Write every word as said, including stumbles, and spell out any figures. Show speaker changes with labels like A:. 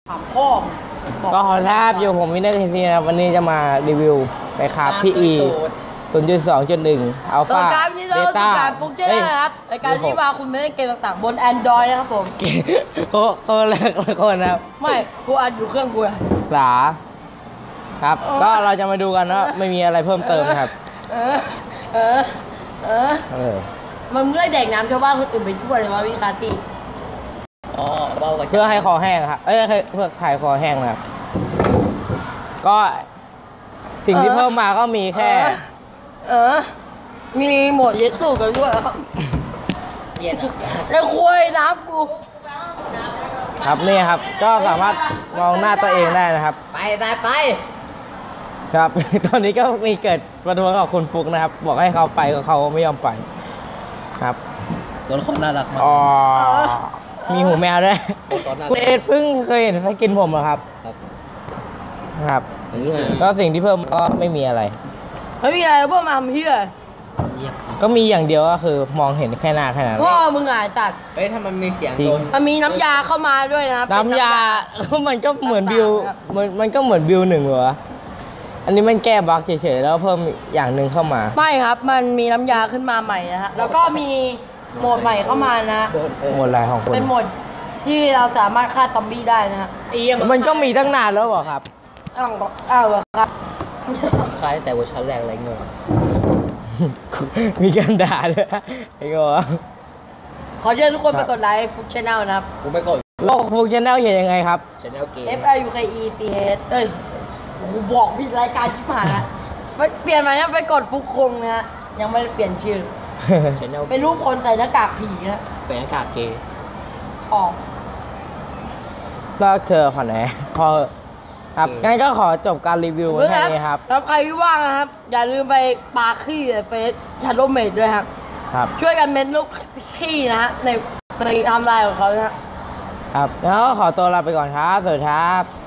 A: ถามพ่อ
B: ก็ขอทราบอยู่ผมวินเนอร์ทีซีนะครับวันนี้จะมารีวิวไปครับพี่อีศูนย์จุดสองจุดหนึ่งอัลฟาเบต้า
A: การฟุกเจอร์นะครับในการที่ว่าคุณไม่ได้เกมต่างๆบน Android นะครับผม
B: ก็ก็แรกคนนะครับ
A: ไม่กูอัดอยู่เครื่องกู
B: หลาครับก็เราจะมาดูกันว่าไม่มีอะไรเพิ่มเติมครับ
A: เออเออเออเออมันเมื่อแดกน้ำชาวบ้านคนอื่นไปทั่วเลยว่าวิคาตี
B: อ๋อเพื่อให้คอแห้งครับเอ้ยเพื่อขายคอแห้งนะครับก็สิ่งที่เพิ่มมาก็มีแค่
A: เออมีหมดเย็ดตู้กันด้วยครับเย็ดไอ้คุยน้ำกู
B: ครับนี่ครับก็สามารถมองหน้าตัวเองได้นะครับ
A: ไปได้ไป
B: ครับตอนนี้ก็มีเกิดประท้วงกับคุณฟุกนะครับบอกให้เขาไปก็เขาไม่ยอมไปครับ
A: ตัวละครน่ารักมาก
B: อ๋อมีหูแมวด้วยคุณเอ็ดเพิ่งเคยเห็นเขากินผมเหรอครับครับก็สิ่งที่เพิ่มก็ไม่มีอะไร
A: ไม่มีอะไรเพิ่มมาเฮีย
B: ก็มีอย่างเดียวก็คือมองเห็นแค่หน้าแค่นั้น
A: พ่อมึงไงสัตว์
C: เฮ้ยถ้ามันมีเสียงโดน
A: มันมีน้ำยาเข้ามาด้วยนะครับ
B: น้ำยามันก็เหมือนบิวมันมันก็เหมือนบิวหนึ่งเหรออันนี้มันแก้บั๊กเฉยๆแล้วเพิ่มอย่างหนึ่งเข้ามา
A: ไม่ครับมันมีน้ำยาขึ้นมาใหม่นะฮะแล้วก็มีโหมดใหม่เข้ามานะ
B: โหมดอะไรของคุณ
A: เป็นโหมดที่เราสามารถฆ่าซอมบี้ได้นะฮะ
B: มันก็มีตั้งนานแล้วเหรอครับ
A: อ้าวอ้าวครับ
C: คล้ายแต่เวอร์ชันแรกอะไรเงี้ย
B: มีการด่าด้วยไอ้โง่
A: ขอเชิญทุกคนไปกดไลค์ฟุกชาแนลนะครับ
C: กูไม่กด
B: โลกฟุกชาแนลเขียนยังไงครับ
C: ชาแนลเกม
A: F I U K E C H เอ้ยกูบอกผิดรายการชิบหายนะไปเปลี่ยนใหม่นะไปกดฟุกคงนะฮะยังไม่ได้เปลี่ยนชื่อ
C: ชาแนล
A: เป็นรูปคนใส่หน้ากากผีนะ
C: ใส่หน้ากากเกย์
A: ออก
B: เลิกเธอขอไหนพอครับงั้นก็ขอจบการรีวิวแค่นี้ครับ
A: แล้วใครที่ว่างนะครับอย่าลืมไปปาขี้เฟซชาโดเมดด้วยครับ
B: ครับ
A: ช่วยกันเม้นลูกขี้นะฮะในในไทม์ไลน์ของเขานะ
B: ครับแล้วก็ขอตัวลาไปก่อนครับสวัสดีครับ